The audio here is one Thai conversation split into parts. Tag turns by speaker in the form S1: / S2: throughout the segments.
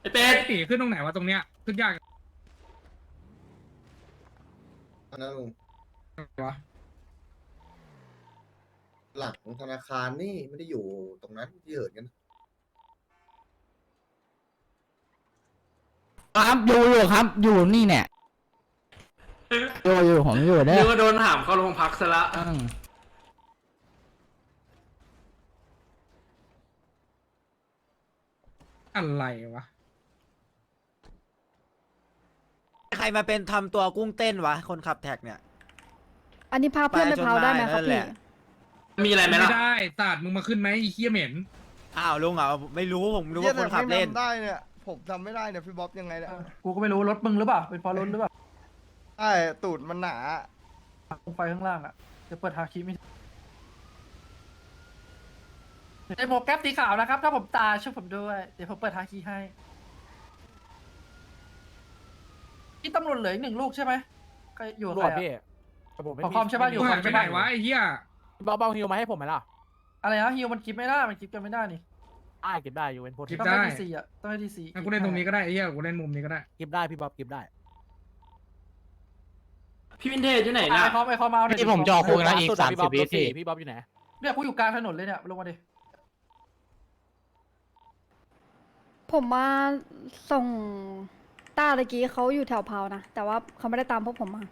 S1: ไอเป็ด
S2: ตีขึ้นตรงไหนวะตรงเนี้ยขึ้นยาก
S3: อันนั้นลุง
S2: วะ
S3: หลังธนาคารนี่ไม่ได้อยู่ตรงนั้นที่เหินกัน
S4: ครับอยู่ครับอยู่นี่เนี่ยอยู่ผมอยู่เนี่
S1: นึ
S4: ย
S1: กว่าโดนถามเข้าโรงพักซะละ
S2: อะไรวะ
S5: ใครมาเป็นทำตัวกุ้งเต้นวะคนขับแท็กเนี่ย
S6: อันนี้พาเพื่อนไปเผาได้ไหมครับ
S5: นั่นแห
S6: พี่
S5: ละ
S1: มีอะไรไหม
S2: ไม่
S1: ล่ะ
S2: ได้ศาสตร์มึงมาขึ้นไหมไอ้เหี้ยเหม็น
S5: อ้าวลุงอ่ะไม่รู้ผมรู้ว่าคนขับเล่น
S7: ได้เนี่ยผมทำไม่ได้เนี่ยพี่บ๊อบยังไงเนี่ย
S8: กูก็ไม่รู้รถมึงหรือเปล่าเป็นเพราะรถหรือเปล่า
S7: ใช่ตูดมันหนา
S8: ตรงไฟข้างล่างอ่ะจะเปิดฮาคิไม่ไอ้โมแก๊ปสีขาวนะครับ ถ้าผมตายช่วยผมด้วยเดี๋ยวผมเปิดฮาคิให้ที่ตำรวจเหลืออีกหนึ่งลูกใช่ไหมใครอยู่กับใครอะขอคอมใช่ป่ะอยู่
S2: กู
S8: ขอ
S2: หาย
S8: ม
S2: ไป
S8: ใช่
S2: ไหน
S8: ป่ะ
S2: วะไอ้เหี้ย
S9: เบาฮิวมาให้ผมไหมล่ะ
S8: อะไรนะฮิวมันกิฟไม่ได้มันกิฟกันไม่ได้นี่
S9: เก็บได้อยู่เป็นโพ
S2: กิฟ
S8: ต้อง
S2: ได้
S8: ให้ดีซีอ่ะต้องให้ดีซี
S2: งั้นกูเล่นตรงนี้ก็ได้ไอ้เหี้ยกูเล่นมุมนี้ก็ได้
S9: เก็บได้พี่บ๊อบเก็บได้
S1: พี่วินเทจอยู่ไหนน่ะ
S8: ไอคอมเอาเนี่ย
S4: ที่ผมจอคุยนะอีก30 วิพี่
S9: พี่บ๊อบอยู่ไหน
S8: เนี่ยกูอยู่กลางถนนเลยเนี่ยลงมาดิ
S6: ผมมาส่งต้าตะกี้เขาอยู่แถวเผานะ แต่ว่าเขาไม่ได้ตามพวกผมมา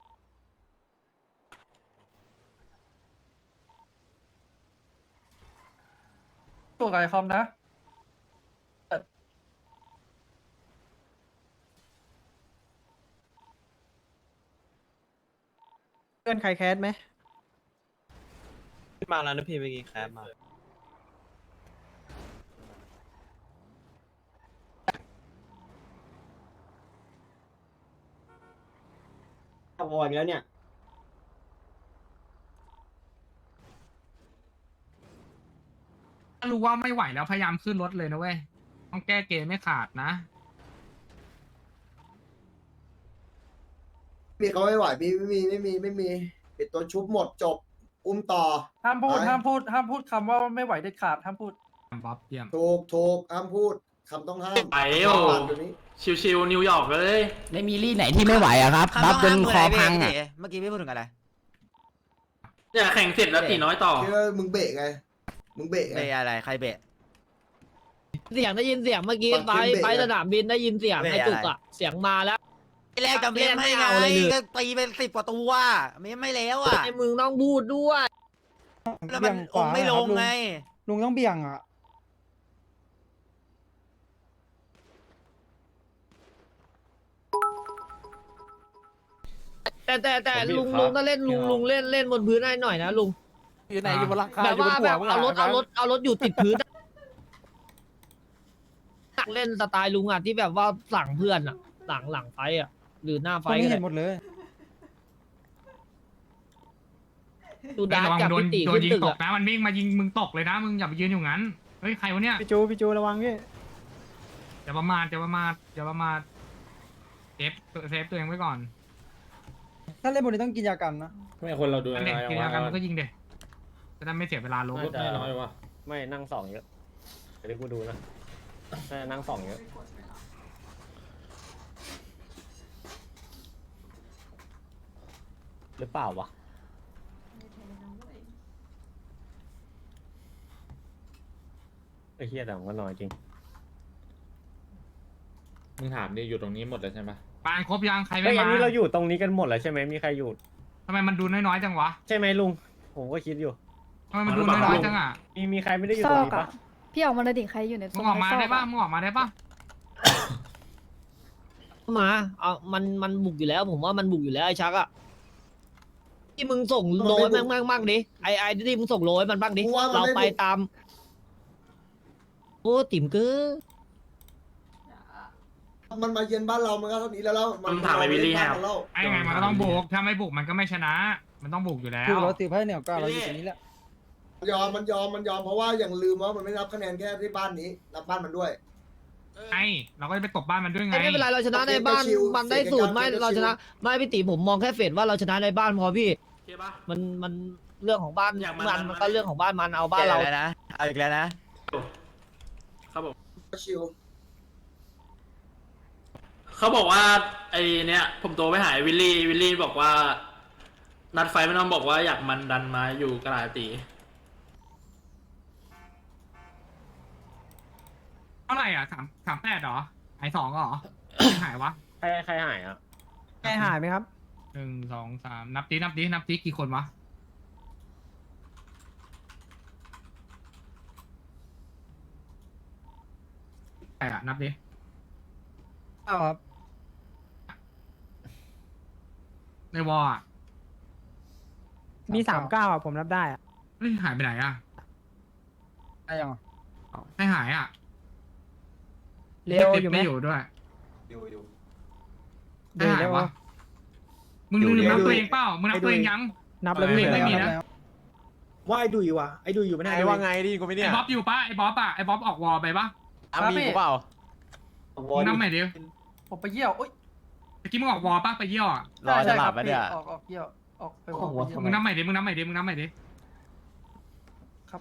S8: ตัวกับไอคอมนะ
S9: เพื่อนใครแคสไหม
S5: มาแล้วนะพี่เมื่อกี้แคปมา
S3: ขับวอยแล้วเนี่ย
S2: ถ้ารู้ว่าไม่ไหวแล้วพยายามขึ้นรถเลยนะเว้ยต้องแก้เกมไม่ขาดนะ
S3: มีเขาไม่ไหวไม่มีปิดตัวชุบหมดจบ อุ้มต่อ
S8: ห้ามพูด
S3: ไป
S8: ห้ามพูดคำว่าไม่ไหวเด็ดขาดห้ามพูด
S2: บ๊อบเยี่ยม
S3: ถูกห้ามพูดคำต้องห้าม
S1: ไปโอ้
S3: เดี๋ยวนี้
S1: ชิวๆนิวยอร์กเลย
S4: ไม่มีรี่ไหนที่ไม่ไหวอะครับบัฟจนคอพังอะ
S5: เมื่อกี้พี่พูดถึงอะไร
S1: เนี่ยแข่งเสร็จแล้วตีน้อยต่อ
S3: คิดว่ามึงเบรกไงมึงเบรกไง
S5: เบะอะไรใครเบะ
S10: เสียงได้ยินเสียงเมื่อกี้
S3: ปัก
S10: ไป
S3: เข็มเบรก
S10: ไป
S3: อะ
S10: สนามบินได้ยินเสียง
S5: เบรก
S10: ไอ้จุก
S5: อะไร
S10: อะเสียงมาแล้ว
S5: แรกจำเล่นให้ไง
S10: เอาเลยดิ
S5: ก็ตีเป็น10 กว่าตัวไม่แล้วอ่ะ
S10: ไอ้มึงต้องพูดด้วย
S5: แล้วมันองค์ไม่ลงไง
S8: ลุงต้องเบี่ยงอ่ะ
S10: แต่ลุงถ้าเล่นลุงเล่นบนพื้นได้หน่อยนะลุง
S9: อยู่ไหนอยู่บนหลังคา
S10: แบบ
S9: อยู่บ
S10: ว่าน
S9: หั
S10: แบ
S9: ว
S10: บ
S9: มึง
S10: เอารถอยู่ติดพื้นอะเล่นสไตล์ลุงอ่ะที่แบบว่าสั่งเพื่อนอ่ะหลังไฟอ่ะหรือหน้าไฟก็ได้ดูดา
S2: ระวัง
S10: จาก
S2: โดน
S10: พิติ
S2: โด
S10: ขึ้
S2: น
S10: น
S2: ยิง
S10: ตึก
S2: ตก
S10: อ่ะ
S2: นะมันวิ่งมายิงมึงตกเลยนะมึงอย่าไปยืนอยู่งั้นเฮ้ยใครวะเนี่ย
S8: พี่จูระวังพี่
S2: อย่าประมาทเซฟตัวเองไว้ก่อน
S8: ถ้าเล่นบนนี้ต้องกินยากันนะ
S9: ไม่คนเราดู
S2: อันเด็กกินยากันมันก็ยิงเด็กจะได้ไม่เสียเวลาลง
S9: ไม่น้อยว่ะไม่นั่งสองเยอะเดี๋ยวกูดูนะนั่งสองเยอะหรือเปล่าวะไอ้เหี้ยแต่มันก็น้อยจริง
S11: มึงถามดิอยู่ตรงนี้หมดเลยใช่ไหม
S2: ปานครบยังใคร
S9: เฮ้
S2: ไม่
S9: ยอั
S2: มาน
S9: นี้เราอยู่ตรงนี้กันหมดแล้วใช่ไหมมีใครอยู่
S2: ทำไมมันดูน้อยๆจังวะ
S9: ใช่ไหมลุงผมก็คิดอยู่
S2: ทำไมมันดูน้อยๆจังอ่ะ
S9: มีใครไม่ได้อยู่
S6: ซ
S9: ตร
S6: อง ก
S9: นี้
S6: อะ
S9: ปะ
S6: พี่ออกมาเลยดิใครอยู่ใน
S2: มึงออกมาได้ปะมึงออกมาได้ปะ
S10: มาเอามันบุกอยู่แล้ว ผมว่ามันบุกอยู่แล้วไอ้ชักอะที่มึงส่งโลให้แม่งบ้างดิไอ้ที่มึงส่งโลให้มันบ้างดิเราไปตามโอ้ติ๋มเก้อ
S3: มันมาเยือนบ้านเรามันก็เท่านี้แล้ว
S1: มึงถามไอ้วิลลี่ให้ครับ
S2: ไอ้ไงมันก็ต้องบุกถ้าไม่บุกมันก็ไม่ชนะ มันต้องบุกอยู่แล้ว
S8: คือเราตีไพ่เหนียวก้าเราอยู่ตรงนี้แหละ
S3: มันยอมเพราะว่าอย่างลืมว่ามันไม่รับคะแนนแค่ที่บ้านนี้รับบ้านมันด้วย
S2: ไอ้เราก็จะไปตบบ้านมันด้วยไง
S10: ไม่เป็นไรเราชนะในบ้านมันได้สูตรไม่เราชนะไม่พี่ติ๋ผมมองแค่เฟดว่าเราชนะในบ้านพอพี่
S1: ใช่ปะ
S10: มันเรื่องของบ้าน
S1: อย่างมั
S10: มันก็เรื่องของบ้านมันเอาบ้านเรา
S5: นะเอาอีกแล้วนะ
S1: ครับผม
S3: ชิว
S1: เขาบอกว่าไอเนี้ยผมโทรไปหาวิลลี่บอกว่า นัดไฟไม่ต้องบอกว่าอยากมันดันมาอยู่กระดาษตี
S2: เท่าไหร่อ่ะ38เหรอหาย2เหรอ หายวะ
S9: ใครหายอ่ะ
S10: ใครหายไหมครับ
S2: 1 2 3นับดิกี่คนวะใครอ่ะนับดิ
S10: ครับ
S2: ในวอลอ่ะ
S10: มี39อ่ะผมรับได้อ่ะ
S2: เฮ้ยหายไปไหนอ่ะ
S10: ได้ยัง
S2: ให้หายอ่ะ
S10: เร็วอยู่ไหม
S2: ไม่อยู่ด้วย
S3: อยู่
S2: ให้หายวะมึงลืมนับตัวเองเปล่ามึงนับตัวเองยัง
S10: นับแล้วพี่
S2: ไม่มีนะ
S8: ว่าไอ้ดุยวะไอ้ดุยอยู่ไม่ได้ว่าไงดิกูไม่
S2: ไอ้บ๊อบอยู่ปะไอ้บ๊อบอ่ะไอ้บ๊อบออกวอลไปปะ
S8: มีกูเปล่า
S2: มึงนับใหม่ดิ
S8: ผมไปเยี่ยวโอ๊ย
S2: เมื่อกี้มึงออกวอลปะไปเยี่ยวอ่ะ
S8: รอจะหลับไปเนี่ยออกเยี่ยวออกไปหัว
S2: มึงนับใหม่ดิมึงนับใหม่ดิ
S8: ครับ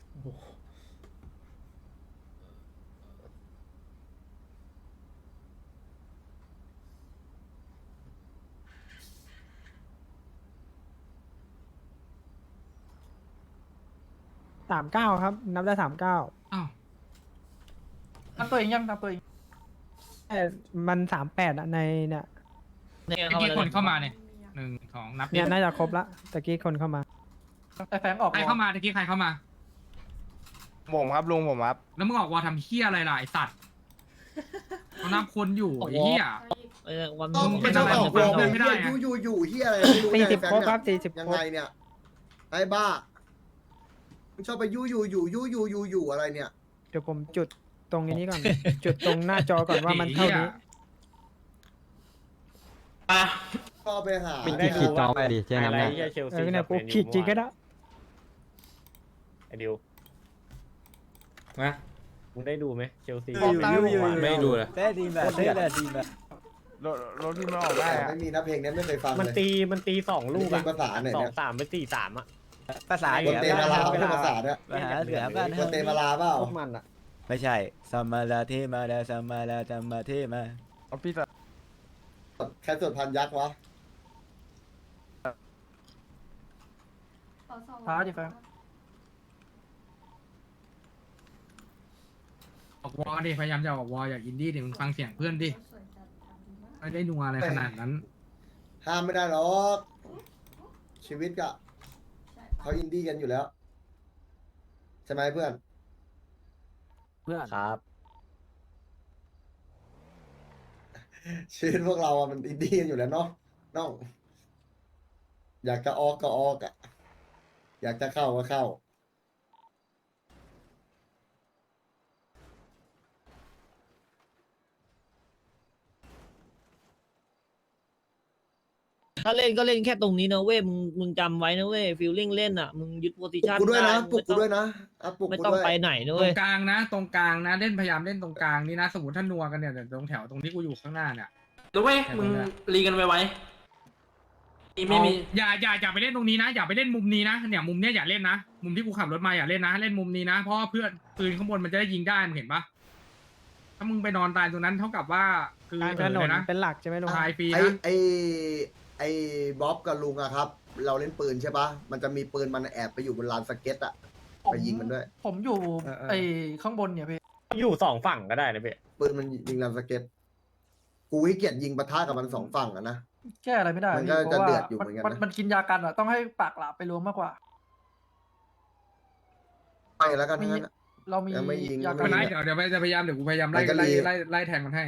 S10: 39ครับ นับได้39
S2: อ้าว
S8: นับตัวเองยังนับตัวเอง
S10: แต่มัน38อ่ะในเนี่ย
S2: เมื่อกี้คนเข้ามาเนี่ย1 2นับดิ
S10: เนี่ยน่าจะครบละตะกี้คนเข้ามา
S8: ไอ้แฟงออก
S2: ใครเข้ามาตะกี้ใครเข้ามา
S7: ผมครับลุงผมครับ
S2: แล้วมึงออกวอลทำเฮี้ยอะไรล่ะไอสัตว์เขานับคนอยู่ไอ้เฮี้ย
S10: วัน
S3: ต้อง
S2: มึง
S3: ไม่ต้องออกวอล
S2: ไม่
S3: ไม่
S2: ได้
S3: ได้
S2: อะ
S3: อยู่เฮียอะไรไม่รู้เนี่ย
S10: 40
S3: แฟน
S10: ครบค
S3: เนี่
S10: รั
S3: ย
S10: บ40
S3: ยัง
S10: คร
S3: ไง
S10: บ
S3: เนี่ยไอ้บ้ามึงชอบไปยู่อะไรเนี่ย
S10: เดี๋ยวผมจุดตรงนี้ก่อน จุดตรงหน้าจอก่อนว่ามันเท่านี้
S1: อ่ะ
S3: ก็ไปหา
S9: ได้ดูว่าไฮไลท์ที่เชล
S10: เอ
S9: ซี
S10: อเนี่ยกูขีดจริงก็ได้
S9: ไอ้ดิว
S11: นะ
S9: มึงได้ดูไหมเชลซี
S11: ไม่ดูเลย
S5: ได้ดีแบบได้ดีแบบ
S7: รถที่มันออกได้อะ
S3: ไม่มีนะเพลงนี้ไม่เคยฟัง
S9: มัน
S3: เลย
S9: มันตี2 ลูก
S3: เพล
S9: อะ
S3: งภาษาไหน
S9: สอ
S3: เนี่
S9: ง
S3: ย
S9: สามไป4-3อะ
S5: ภาษา
S3: บนเตมาลาไม่ใช่ภาษาเนี่ย
S5: ภาษาเหนือบ้าน
S3: บนเตมาลาเปล่า
S9: พวกมันอะ
S5: ไม่ใช่สมาลาเทมาลาสมาลาจำมาเทมา
S7: เอาพี่
S3: ใครสวดพันยักษ์วะ
S8: ท้าดิแฟง
S2: ออกวอลดิพยายามจะออกวอลอย่าอินดี้ดิมึงฟังเสียงเพื่อนดิไม่ได้นัวอะไรขนาดนั้น
S3: ห้ามไม่ได้หรอกชีวิตอะเขาอินดี้กันอยู่แล้วใช่ไหมเพื่อน
S9: ครับ
S3: ชีวิตพวกเราอะมันอินดี้กันอยู่แล้วเนาะน้องอยากจะออกก็ออกอะอยากจะเข้าก็เข้า
S10: ถ้าเล่นก็เล่นแค่ตรงนี้นะเว้ยมึงจำไว้นะเว้ยฟิลลิ่งเล่นอ่ะมึงยึดโพซิ
S3: ปลุก
S10: ชัน
S3: กูด้วยนะ
S10: ได้
S3: ปลุกกูด้วยนะอ่ะปลุก
S10: ไม่
S3: กู
S10: ต้อง
S3: ด้วย
S10: ไปไหนนะ
S2: ตร
S10: เว้ย
S2: งกลางนะตรงกลางนะเล่นพยายามเล่นตรงกลางนี่นะสมมติถ้านัวกันเนี่ยเดี๋ยวตรงแถวตรงที่กูอยู่ข้างหน้าเนี่ย
S1: แล้วเว้ยมึงรีกันไว้ไม่มี
S2: อย่าไปเล่นตรงนี้นะอย่าไปเล่นมุมนี้นะเนี่ยมุมเนี้ยอย่าเล่นนะมุมที่กูขับรถมาอย่าเล่นนะเล่นมุมนี้นะเพราะว่าเพื่อนปืนข้างบนมันจะได้ยิงได้มึงเห็นปะถ้ามึงไปนอนตายตรงนั้นเท่ากับว่าคือก
S10: ลางถนน
S2: นะ
S10: เป็นหลักใช่ไหมลุง
S2: ตายฟรี
S3: ไอ้
S2: นะ
S3: ไอ้บ๊อบกับลุงอะครับ เราเล่นปืนใช่ปะมันจะมีปืนมันแอบไปอยู่บนลานสเก็ตอะไปยิงมันด้วย
S8: ผมอยู่ไอ้ข้างบนเนี่ยพี่
S9: อยู่2 ฝั่งก็ได้นะเบ๊ะ
S3: ปืนมันยิงลานสเก็ตกูขี้เกียจยิงปะทะกับมัน2 ฝั่งอะนะ
S8: แก้อะไรไม่ได้
S3: มันก็
S8: พี่เพราะว่า
S3: จะเดือดอยู่เหมือนกันนะ
S8: มันกินยากันอ่ะต้องให้ปากหลาบไปรวมมากกว่า
S3: ไปแล้วกันทั้งนั้นอะ
S8: เรามี
S3: ยังไม่ยิง
S8: ยา
S3: ยั
S8: กั
S3: ง
S8: น
S3: ไม่
S2: ไม่เดี๋ยวจะพยายามเดี๋ยวกูพยายามไล่
S3: ไปกันดี
S2: ไล่แทงมันให้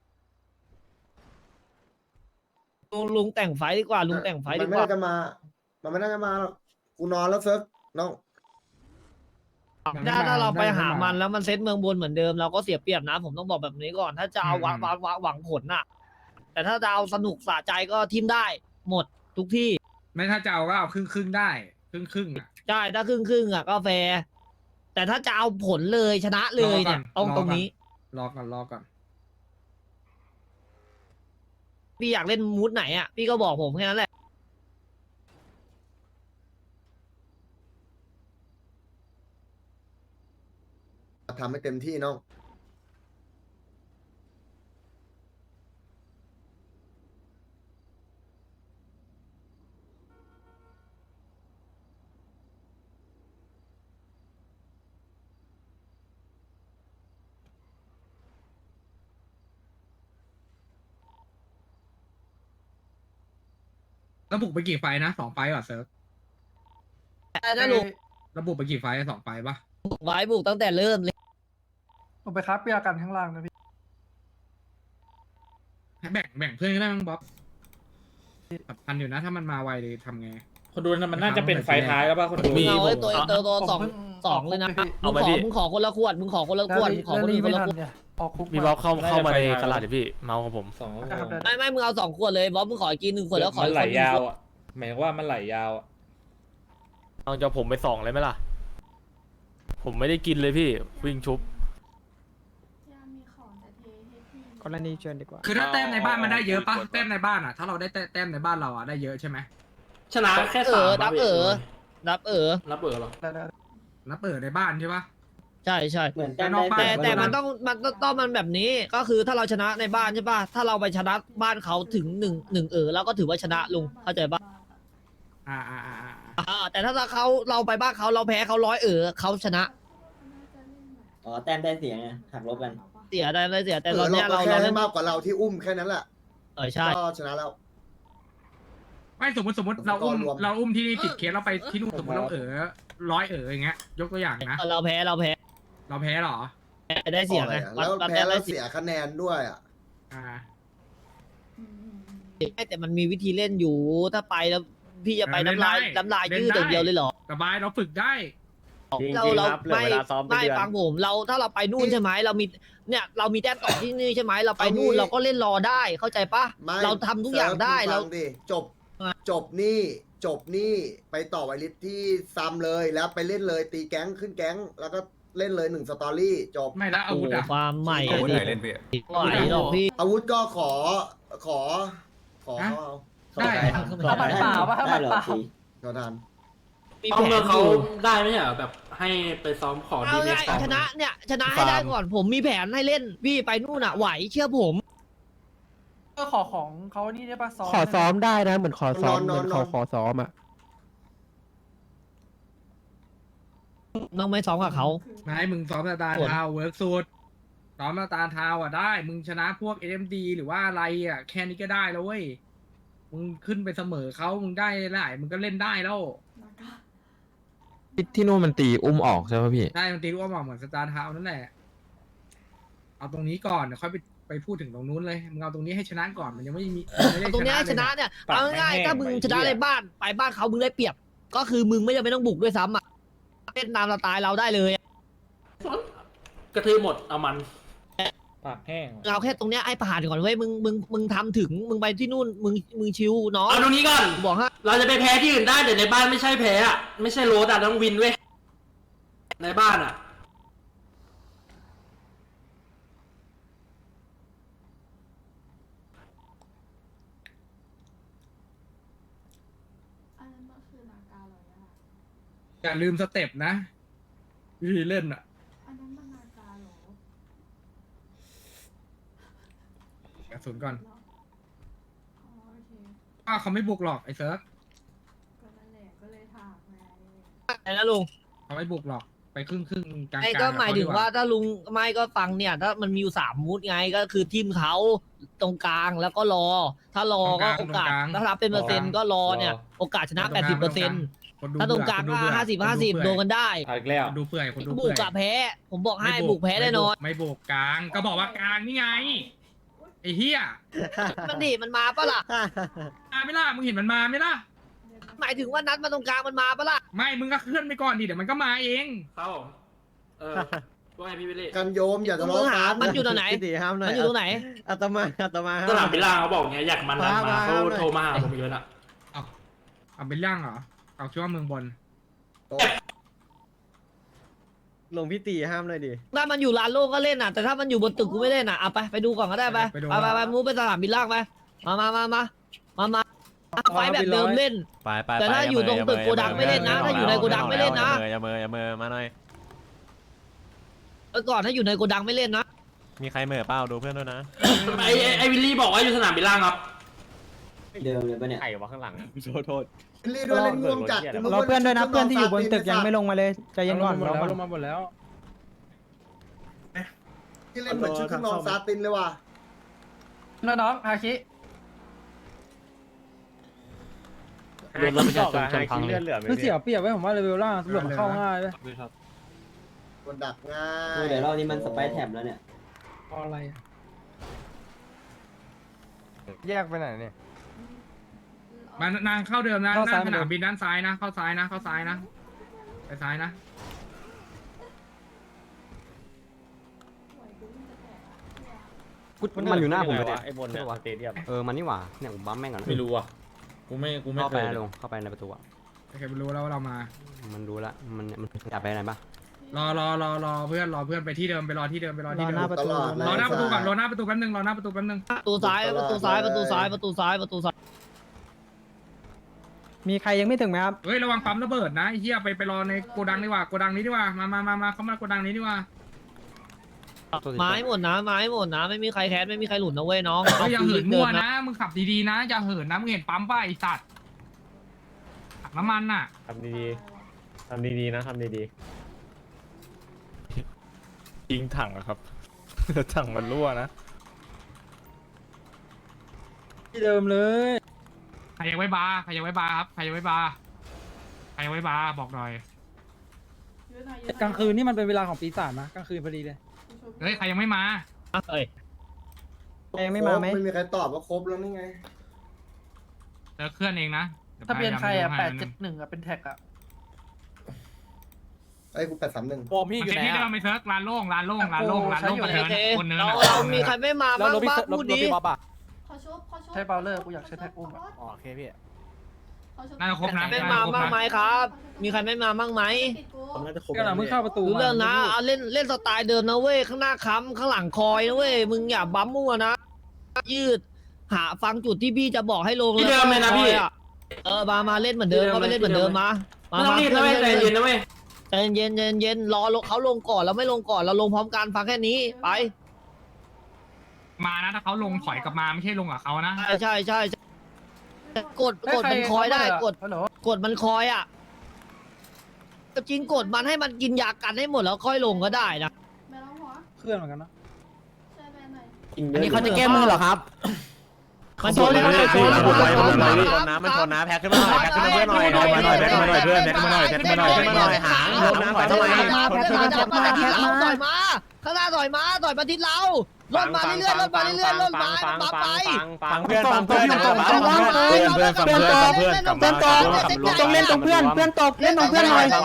S10: ลุงแต่งไฟดีกว่าลุงแต่งไฟ
S3: มั
S10: ดี
S3: น
S10: ก
S3: ไม่
S10: ว่า
S3: น่าจะมา มันไม่น่าจะมาหรอกกูนอนแล้วเซิร์ฟน้อง
S10: ถ้าเราไปหามันแล้วมันเซตเมืองบนเหมือนเดิมเราก็เสียเปรียบนะ ผมต้องบอกแบบนี้ก่อน ถ้าจะเอาหวังผลน่ะ แต่ถ้าจะเอาสนุกสะใจก็ทิมได้ หมดทุกที่
S2: ไม่ถ้าจะเอาก็เอาครึ่งได้ครึ่งอ่ะ
S10: ใช่ถ้าครึ่งอ่ะก็แฟร์แต่ถ้าจะเอาผลเลยชนะเลยเนี่ย
S2: รอก่อน
S10: ต้องตรงนี้
S2: รอก่อน
S10: พี่อยากเล่นมูดไหนอ่ะพี่ก็บอกผมแค่นั้นแหละ
S3: ทำให้เต็มที่น้อง
S2: ระบุไปกี่ไฟนะ2 ไฟป่ะเซิร์ฟ
S10: ถ้าลุง
S2: ระบุไปกี่ไฟ2 ไฟป่ะ
S10: บุกไว้บุกตั้งแต่เริ่มเลย
S8: ผมไปครับเปียกันข้างล่างนะพี่
S2: ให้แบ่งเพื่อนก็ได้มั้งบ๊อบสำคัญอยู่นะถ้ามันมาไวเลยทำไง
S1: คนดูนะมันน่าจะเป็นไฟท้ายแล้วป่ะคนดู
S10: มึงเอาไอ้ตัวตัว
S8: ผม
S10: สอง
S8: เพิ่
S10: สองเลยนะ
S8: ออกคุกพี่
S10: มึงขอคนละขวดมึงขอคนละขวดมึงขอคนอื่นคนละขวด
S8: เนี่ยออกคุก
S11: มีบอสเข้ามาในตลาดดิพี่ เมาของผม
S1: สอง
S10: ไม่มึงเอา2 ขวดเลยบ๊อบมึงขอกิน1 ขวดแล้วขอ
S1: มัน
S10: อีก
S1: ไหล
S10: คน
S1: ยาวอ่ะหมายว่ามันไหลยาวอ่ะ
S11: เอาจะผมไป2เลยไหมล่ะ ผมไม่ได้กินเลยพี่ วิ่งชุบ
S7: กรณีเชิญดีกว่า
S2: คือถ้าแต้มในบ้านมันได้เยอะป่ะแต้มในบ้านอ่ะถ้าเราได้แต้มในบ้านเราอ่ะได้เยอะใช่ไหม
S1: ชนะแค่
S10: เอ
S1: สาม
S10: อนับเออ
S1: นับเออหรอ
S8: ได้
S2: นับเปิดในบ้านใช่ป่ะ
S10: ใช่ใช่
S4: เหมือน
S2: แต่นอกบ้าน
S10: แต่มันต้องมันแบบนี้ก็คือถ้าเราชนะในบ้านใช่ป่ะถ้าเราไปชนะบ้านเขาถึง1แล้วก็ถือว่าชนะลุงเข้าใจป่ะ แต่ถ้าเราไปบ้านเขาเราแพ้เขา100เขาชนะ
S4: อ๋อแต้มได้เสียไงหักลบกัน
S10: เสียได้เลยเสียแต่
S3: เรา
S10: ตอนเนี้ยเรา
S3: แค่
S10: เล่
S3: ให้
S10: น
S3: มากกว่าเราที่อุ้มแค่นั้นแหละ
S10: ใช่
S3: ก็ชนะแล้ว
S2: ไม่สมมติเราอุ้มที่นี่10 เคสเราไปที่นู่นสมมติเรา100อย่างเงี้ยยกตัวอย่างนะ
S10: เราแพ้
S2: เราแพ้เหรอ
S10: ได้เสียไง
S3: แล้วแพ้แล้วเสียคะแนนด้วยอ่ะ
S10: แต่มันมีวิธีเล่นอยู่ถ้าไปแล้วพี่จะไปน้ำลายยืดอย่างเดียวเลยเหรอ
S2: สบายเราฝึกได้
S10: เราไม่ฟังผมเราถ้าเราไปนู่นใช่ไหมเรามีแต้มต่อที่นี่ใช่ไหมเราไปนู่นเราก็เล่นรอได้เข้าใจปะ
S3: ไม่
S10: เราทำทุกอย่างได้
S3: เซิ
S10: เรา
S3: ร์ฟดิจบนี่ไปต่อไวลิสที่ซัมเลยแล้วไปเล่นเลยตีแก๊งขึ้นแก๊งแล้วก็เล่นเลย1 สตอรี่จบ
S2: ไม่แล้วอาวุธอ่ะ
S10: ความใหม่
S11: อาวุธไหนเล่นพี่
S10: ไหวหรอกพี่
S3: อาวุธก็ขอ
S2: ฮะ
S3: เอา
S2: ได้
S8: เอาบัตรเปล่าป่ะถ้าบัตรเปล่า
S3: ขอทาน
S10: มี
S1: เอา
S10: แผ
S1: เงิ
S10: น
S1: น
S10: อ
S1: เขา
S10: ยู่
S1: ได้ไหมเนี่ยแบบให้ไปซ้อมขอดี
S10: เอา
S1: เม
S10: ไง
S1: ส
S10: ชนะให้ได้ก่อนผมมีแผนให้เล่นพี่ไปนู่นอ่ะไหวเชื่อผม
S8: ก็ขอของเขานี่ได้ป่ะซ้อม
S7: ขอซ้อมได้นะเหมือนขอซ้อม
S3: นอน
S7: ขอซ้อมอ่ะ
S10: น้องไม่ซ้อมกับเขา
S2: นายมึงซ้อมสตาร์ทาวเวิร์กสูตรซ้อมสตาร์ทาวอ่ะได้มึงชนะพวก AMD หรือว่าอะไรอ่ะแค่นี้ก็ได้แล้วเว้ยมึงขึ้นไปเสมอเขามึงได้หลายมึงก็เล่นได้แล้ว
S7: ที่นู่นมันตีอุ้มออกใช่ไหมพี่
S2: ได้มันตีรู้ว่าเหมือนสตาร์ทาวนั่นแหละเอาตรงนี้ก่อนเดี๋ยวค่อยไปพูดถึงตรงนู้นเลยมึงเอาตรงนี้ให้ชนะก่อนมันยังไม่มีไม่ได้
S10: ตรงเนี้ยชนะ
S2: เลย
S10: เนี่ยเอาง่ายๆถ้ามึงชนะในบ้านไปบ้านเขามึงได้เปรียบ ก็คือมึงไม่จำเป็นต้องบุกด้วยซ้ำอ่ะเล่นตามสไตล์เราได้เลยอะ
S1: กระทืบหมดเอามันปากแห้ง
S10: เอาแค่ตรงเนี้ยไอ้ผ่านก่อนเว้ยมึงทำถึงมึงไปที่นู่นมึงชิวเนาะ
S1: เอาตรงนี้ก่อน
S10: บอกฮะ
S1: เราจะไปแพ้ที่อื่นได้แต่ในบ้านไม่ใช่แพ้อะไม่ใช่โรดอะต้องวินเว้ยในบ้านอะ
S2: อย่าลืมสเต็ปนะวิธีเล่นอ่ะกระสุนก่อนเขาไม่บุกหรอกไอ้เซิร์ฟ
S10: ไอ้นะลุง
S2: เขาไม่บุกหรอกไปครึ่งกลาง
S10: ไอ้ก็หมายถึงว่าถ้าลุงไม่ก็ฟังเนี่ยถ้ามันมีอยู่3 มูดไงก็คือทีมเขาตรงกลางแล้วก็รอ ถ้ารอก็โอกาสถ้ารับเป็นเปอร์เซ็นต์ก็รอเนี่ยโอกาสชนะ 80%ถ้าตรงกลางก็50-50โดนกันได้
S1: เอาอีกแล้ว
S2: คนดูเปื่อยคนดู
S10: บุ
S2: เปื่
S10: ก
S2: อย
S10: กับแพ้ ผมบอกให้บุกแพ้แน่นอน
S2: ไม่บุกกลางก็บอกว่ากลางนี่ไงไอ้เหี้ย
S10: มันมาปะล่ะ
S2: มาไม่ล่ะมึงเห็นมันมาไหมล่ะ
S10: หมายถึงว่านัดมาตรงกลางมันมาปะล่ะ
S2: ไม่มึงก็เคลื่อนไปก่อนดิเดี๋ยวมันก็มาเอง
S1: ครับผมว่าไงพี่วิลลี่
S3: กันโยมอย่าทะ
S10: มึ
S3: เลาะ
S10: งหา
S3: กัน
S10: มันอยู่ตรงไหน มันอยู่ตรงไหน
S7: อาตมา
S1: สนามบิลล่างเขาบอกไงอยากมันดันมา
S7: มา
S1: เขาโทรมาหาผมอีกแล้วนะ
S2: เอาเป็นย่างเหรอเอาคิดว่าเมืองบน
S7: ลงพี่ตีห้ามเลยดิ
S10: ถ้ามันอยู่ลานโล่งก็เล่นอ่ะแต่ถ้ามันอยู่บนตึกกูไม่เล่นอ่ะเอาไปดูก่อนก็ได้ไปไปมูฟไปสนามบินล่างไปมาไฟแบบเดิมเล่น
S11: ไป
S10: แต่ถ้าอยู่ตรงตึกโกดังไม่เล่นนะถ้าอยู่ในโกดังไม่เล่นนะ
S11: อย่าเมอมาหน่อย
S10: ก่อนถ้าอยู่ในโกดังไม่เล่นนะ
S11: มีใครเหม่อเปล่าดูเพื่อนด้วยนะ
S1: ไอวิลลี่บอกว่าอยู่สนามบิลล่างครับ
S4: เดิมเลยปะเนี่ย
S9: ไข่วะข้างหลัง
S11: โทษ
S3: รีด้วยเล่นง่วงจัด
S7: รอเพื่อนด้วยนะเพื่อนที่อยู่บนตึกยังไม่ลงมาเลยใจเย็นก่อนลงมาหมดแล้ว
S3: ที่เล่นเหมือนชุดข้างนอกซาตินเลยว่ะ
S8: น้องฮาคิ
S9: รถประชาชนชนพังเลือดเหลือไหม
S7: คือเสียเปรียบไว้ผมว่าเลเวลล่างตำรวจมันเข้าง่ายเลย
S3: คนดักง่า
S4: ดู
S3: ย
S4: เดี๋ยวรอบนี้มันสไปร์แท็บแล้วเนี่ย
S2: เอาอะไรอะ
S7: แยกไปไหนเนี่ย
S2: มานางเข้าเดิมนะ
S7: เข้า
S2: ห
S7: ซ้าย
S2: น้าสนามบินด้านซ้ายนะ เข้าซ้ายนะ เข้าซ้ายนะ ไปซ้ายนะ
S9: มันอยู่หน้าผมเลยไอ้บนเนี่ยสเตเดียม
S7: มันนี่หว่าเนี่ยผมบัมแม่งก่อน
S1: ไม่รู้อ่ะกูไม่
S7: เข้า
S1: เค
S7: ไป
S1: ย
S7: นะลงเข้าไปในประตูอ่ะ
S2: โอเครู้แล้วว่าเรามา
S7: มันรู้ละมันอยากไปไหนปะ
S2: รอเพื่อนไปที่เดิมไปรอที่เดิมไปรอที่เดิม
S3: ตลอด
S2: รอหน้าประตูก่อนรอหน้าประตูแป๊บนึงรอหน้าประตูแป๊บนึง
S10: ประตูซ้ายประตูซ้ายประตูซ้ายประตูซ้ายประตูซ้าย
S7: มีใครยังไม่ถึงไหมครับ
S2: เฮ้ยระวังปั๊มระเบิดนะไอ้เหี้ยไปรอในโกดังดีกว่าโกดังนี้ดีกว่ามาเข้ามาโกดังนี้ดีกว่า
S10: ไม้หมดนะไม้หมดนะไม่มีใครแคสไม่มีใครหลุดนะเว้ยน้อง
S2: เฮ้ยอย่าเหินมั่วนะมึงขับดีๆนะอย่าเหินนะมึงเห็นปั๊มป่ะไอ้สัตว์ถังน้ำมันน่ะ
S9: ทำดีๆนะทำดี
S11: ยิงถังอะครับ ถังมันรั่วนะ
S7: ที่เดิมเลย
S2: ใครยังไว้บาร์ครับใครยังไว้บาร์บอกหน่อย
S7: กลางคืนนี่มันเป็นเวลาของปีศาจนะกลางคืนพอดีเลย
S2: เฮ้ยใครยังไม่มา
S10: เอ้ย
S7: ใครยังไม่มาไหม
S3: ไม่มีใครตอบว่าครบแล้วนี่ไง
S2: เจอเคลื่อนเองนะดี๋ยว
S8: ทะเบียนใครอ่ะ
S2: พายามดูให้
S8: 871อ่ะเป็นแท็กอ่ะ
S3: ไอ้กู831
S2: วอร์มพี่อยู่ไหนอะไม่เซิร์ชลานโล่งประเทินคนเนิน
S10: เรามีใครไม่มาบ้างบ้างพูดดิ
S8: ใช้เบลเลอร์กูอยากใช้แท็กอุ้มอ่ะ
S7: โอเคพี่
S2: น่าจะครบนะ
S10: ไม่มาบ้างไหมครับ มีใครไม่มาบ้างไหม
S9: ๆน่าจะครบ
S7: ก็หลังมึงเข้าประตู
S10: รู้เรื่องนะเอาเล่นสไตล์เดิมนะเว้ยข้างหน้าค้ำข้างหลังคอยนะเว้ยมึงอย่าบั๊มมั่วนะยืดหาฟังจุดที่พี่จะบอกให้ลง
S1: ที่เดิมเลยนะพี่
S10: มาเล่นเหมือนเดิมก็ไปเล่นเหมือนเดิมมา
S1: ไม่ต้องรีบนะเว้ยใจเย็นนะเว้ย
S10: ใจเย็นรอเขาลงก่อนเราไม่ลงก่อนเราลงพร้อมกันฟังแค่นี้ไป
S2: มานะถ้าเขาลงถอยกลับมาไม่ใช่ลงกับเขานะ
S10: ใช่กดมันคอยได้กดมันคอยอ่ะจริงกดมันให้มันกินยากันให้หมดแล้วค่อยลงก็ได้นะ
S7: เคลื่อนเหมือนกันนะ
S9: อันนี้เขาจะ
S7: แก้มือเหรอครับ
S10: มันชนนะ
S9: มันชนนะแพ็คขึ้นมาหน่อยแพ็คขึ้นมาเพื่อนหน่อยแพ็คมาหน่อยเพื่อนแพ็คมาหน่อยหางลงน้ำต่อยทำไม
S10: ต่อยมาข้างหน้าต่อยมาทิศเราลดมาเรื่อยๆปั๊บไป
S9: ฟังเพื่อนฟังเพื่อน
S7: ต้องเล่นตรงเพื่อนตกเล่นตรงเพื่อนหน่อย
S10: ต่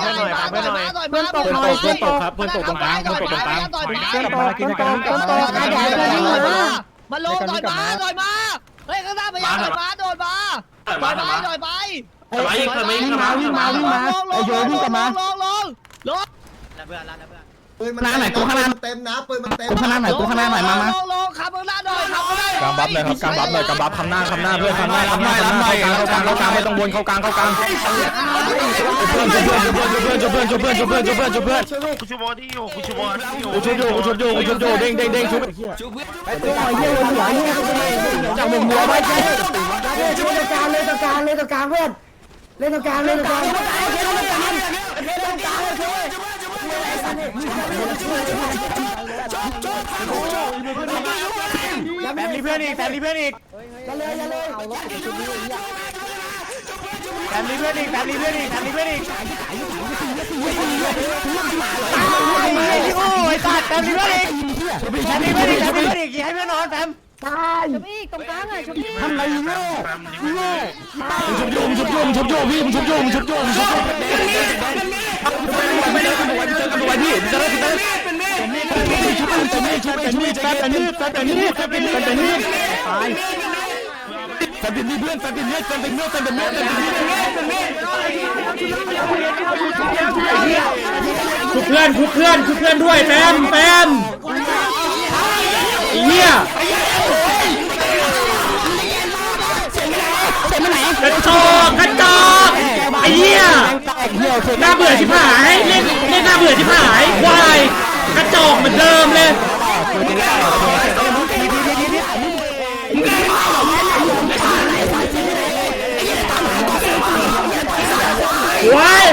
S10: อยมาลงต่อยมาเฮ้ยข้างหน้าพยายามต่อยมาโดนมาต่อยไป
S1: วิ่งมา
S7: ไอโยวิ่งกลับมา
S10: ลง
S3: ปืนมันไหนกูข้างหน้าเต็มนะปืนมันเต็ม
S7: กูข้างหน้าหน่อยกูข้างหน้าหน่อยมา
S10: ลงขับข้างหน้าหน่อย
S11: กำบับเลยครับกำบับเลยกำบับคำหน้าเพื่อนคำหน้าเข้ากลางไม่ต้องวนเข้ากลางเพื่อนกูชูบอลที่อยู่กูชูเด้งชุบไอ้ตัวหอยเหี้ยหัวเหี้ยจับมึงหัวไว้ชุบตรงกลางเพื่อนเล่นตรงกลางแฟมเพื่อนอีกแฟมเพื่อนอีกโอ้ยตัดแฟมเพื่อนอีกให้เพื่อนนอนแฟม
S6: ชุบอีกตรงกลางอ่ะชุบอีก
S7: ทำไรเงี้ย
S11: ชุบโยมพี่ชุบโยมเจอกันตัวพี่จะได้ชุบแฟนนี่ตายแฟนเป็นเพื่อนชุบเพื่อนด้วยแฟมเหี้ยกระจอกไอ้เหี้ยน่าเบื่อชิบหายเล่นน่าเบื่อชิบหายควายกระจอกเหมือนเดิมเลยควาย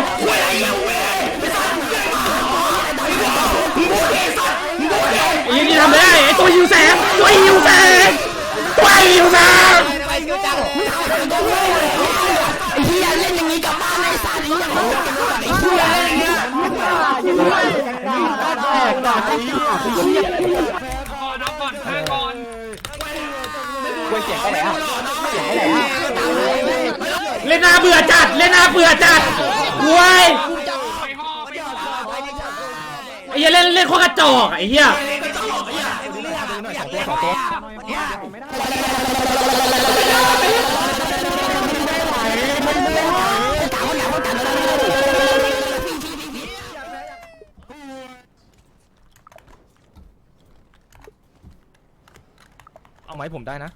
S11: ยังทำได้ไอ้ตัวหิวแสงไอ้เหี้ย
S9: เสียงไปไหนอ่ะเสียงไปไหนอ่ะ
S11: เล่นหน้าเบื่อจัดเล่นหน้าเบื่อจัดรวยไอ้เหี้ยเล่นโคตรกระจอกไอ้เหี้ยสองตัวเอาไหมผมได้นะ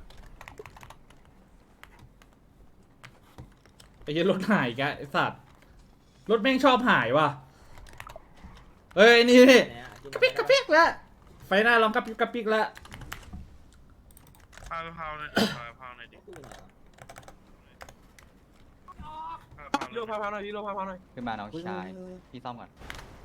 S11: ไอ้เหี้ยรถหายแกไอ้สัตว์รถแม่งชอบหายว่ะเอ้ยนี่กระปิกแล้วไฟหน้าลองกระปิกแล้วพาวหน่อยดิพาวหน่อยดิโลพาวหน่อยดิโลพาวหน่อยขึ้นมาน้องชายพี่ซ่อมก่อน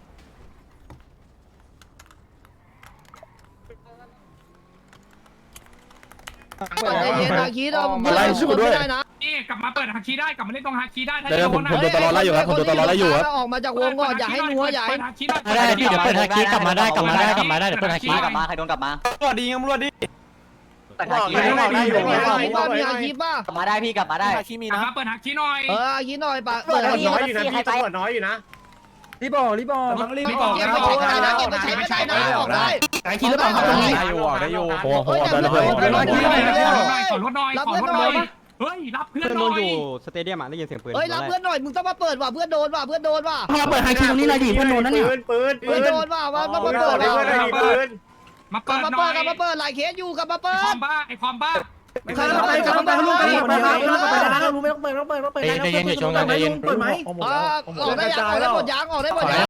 S10: มาไล่สู้ด้วย
S2: นี่กลับมาเปิดฮักคีได้กลับมาเล่นตรงฮักคีได้
S11: เดี๋ยวผมโดนตลอดไล่อยู่ครับผมโดนตลอดไล่อยู่ครับ
S10: ออกมาจากวงก่อนอย่าให้นัวอย่าให้
S2: ฮักคีได้
S11: ได้พี่เดี๋ยวเปิดฮักคีกลับมาได้เดี๋ยวเปิดฮักคี
S9: กลับมาใครโดนกลับมา
S11: ตำรวจดีตำรวจดี
S9: แต่หาคีไม่ได้อยู่
S10: มีอาชีพป่ะ
S9: กลับมาได้พี่กลับมาได้
S11: ฮักคีมี
S2: กลับ
S11: นะ
S2: มาเปิดฮักคีหน่อย
S10: อาชีพหน่อยปะ
S9: ตำรวจน้อยอยู่นะพี่ตำรวจน้อยอยู่นะ
S7: รีบบอกรีบบอก
S2: รีบบอก
S10: เก็บไปใช้ได้นะเก็บไปใช้ไม่ได้นะออกได้
S11: ฮักคีหรือเปล่าครับได้อยู่ได้อยู่โอ้โหได้เลย
S2: ขอรถหน่อยขอรถหน่อยเฮ้ยรับเพื่อนหน่อย
S11: สเตเดียมได้ยินเสียงปืน
S10: เฮ้ยรับเพื่อนหน่อยมึงต้องมาเปิดว่ะเพื่อนโดนว่ะเพื่อนโดนว่ะ
S11: มาเปิดฮักคีตรงนี้หน่อยดิเพื่อนโดนนั่นเนี่ย
S9: ปืน
S10: เพื่อนโดนว่ะมาเปิดว่ะ
S9: ปืน
S2: มาก
S10: ลั
S2: เปิ
S10: บ
S2: ด
S10: มา
S2: หน่อย
S10: เปิดกลับมาเปิดหลายเคสอยู่กลับมาเปิ
S2: คอ
S10: ด
S2: มบ้าไอคอมบ้า
S10: ใครมาไปกลับมาเปิดลูกกัน
S11: ใจเย็นอย่าชงกันใจเย็น
S10: ออกได้ยังออกได้หมดยังออกได้หมดยัง